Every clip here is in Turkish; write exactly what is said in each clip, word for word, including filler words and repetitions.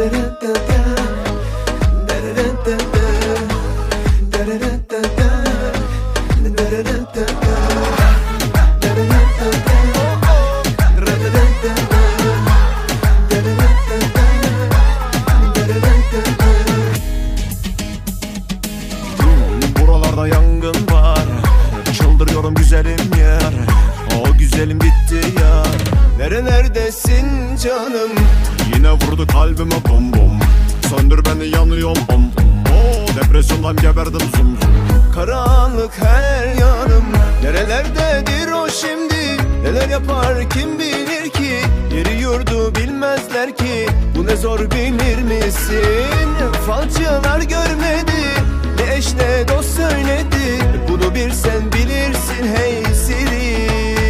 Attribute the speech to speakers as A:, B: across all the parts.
A: Buralarda yangın var, çıldırıyorum güzelim yar. O güzelim gitti ya. Nerelerdesin canım? Yine vurdu kalbime bom bom. Söndür beni, yanıyorum bom bom. Oh, depresyondan geberdim zum zum. Karanlık her yanım. Nerelerdedir o şimdi? Neler yapar kim bilir ki? Yeri yurdu bilmezler ki. Bu ne zor, bilir misin? Falcılar görmedi, ne eş ne dost söyledi. Bunu bir sen bilirsin hey Siri.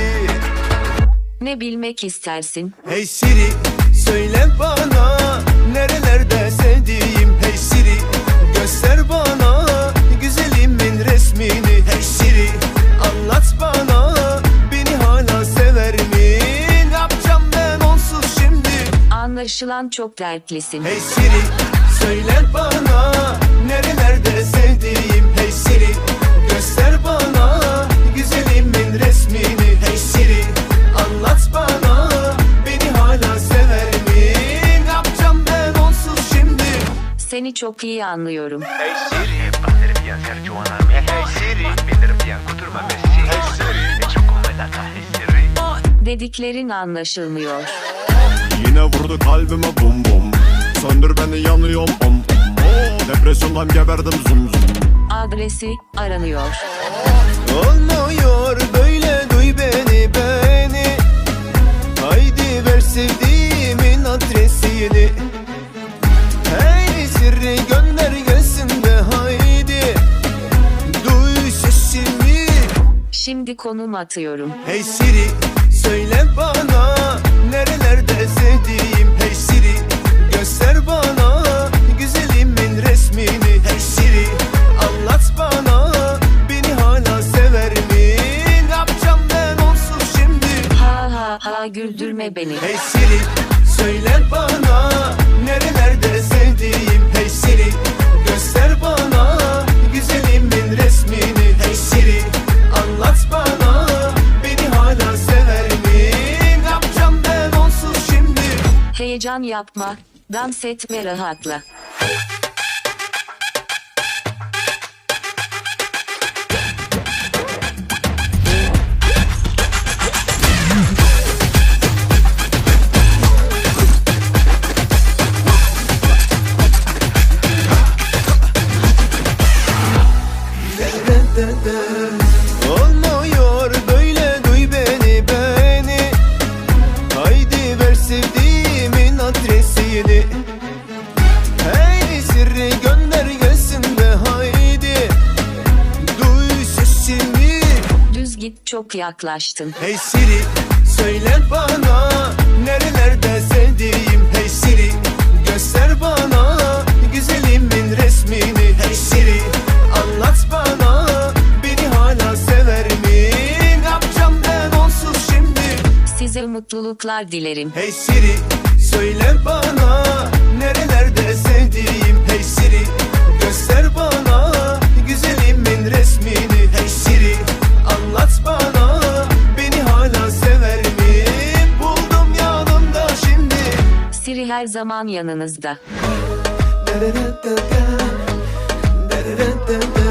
B: Ne bilmek istersin?
A: Hey Siri, söyle bana nerelerde sevdiğim. Hey Siri, göster bana güzelimin resmini. Hey Siri, anlat bana beni hala sever mi? Ne yapacağım ben onsuz şimdi?
B: Anlaşılan çok dertlisin.
A: Hey Siri, söyle bana nerelerde sevdiğim. Hey Siri, göster bana güzelimin resmini. Hey Siri, anlat bana beni hala sever mi? Ne yapacağım ben onsuz şimdi?
B: Seni çok iyi anlıyorum.
A: Hey Siri,
C: Hey Siri,
A: Hey Siri.
B: Dediklerin anlaşılmıyor.
A: Yine vurdu kalbime bum bum. Söndür beni, yanıyorum om om. Oh, depresyondan geberdim zum zum.
B: Adresi aranıyor.
A: Olmuyor böyle, duy beni beni. Haydi ver sevdiğimin adresini. Hey Siri, gönder gelsin de haydi. Duy sesimi.
B: Şimdi konum atıyorum.
A: Hey Siri, söyle bana nerelerde sevdiğim. Hey Siri, göster bana güzelimin resmini. Hey Siri, anlat bana beni hala sever mi? Ne yapacağım ben onsuz şimdi?
B: Ha ha ha, güldürme beni.
A: Hey Siri, söyle bana nerelerde sevdiğim. Hey Siri, göster bana güzelimin resmini. Hey Siri, anlat bana beni hala sever mi? Ne yapacağım ben onsuz şimdi?
B: Heyecan yapma. Dans et ve rahatla.
A: Olmuyor böyle, duy beni beni. Haydi ver sevdiğimin adresini. Hey Siri, gönder gelsin de haydi. Duy sesimi.
B: Düz git, çok yaklaştın.
A: Hey Siri, söyle bana nerelerde sevdiğim. Hey Siri, göster bana güzelimin resmini. Hey Siri, anlat bana beni hala sever mi? Ne yapacağım ben onsuz şimdi?
B: Size mutluluklar dilerim.
A: Hey Siri, söyle bana nerelerde sevdiğim. Hey Siri, göster bana güzelimin resmini. Hey Siri, anlat bana beni hala sever mi? Buldum yanımda şimdi.
B: Siri her zaman yanınızda.
A: Da da da da da, da da da da.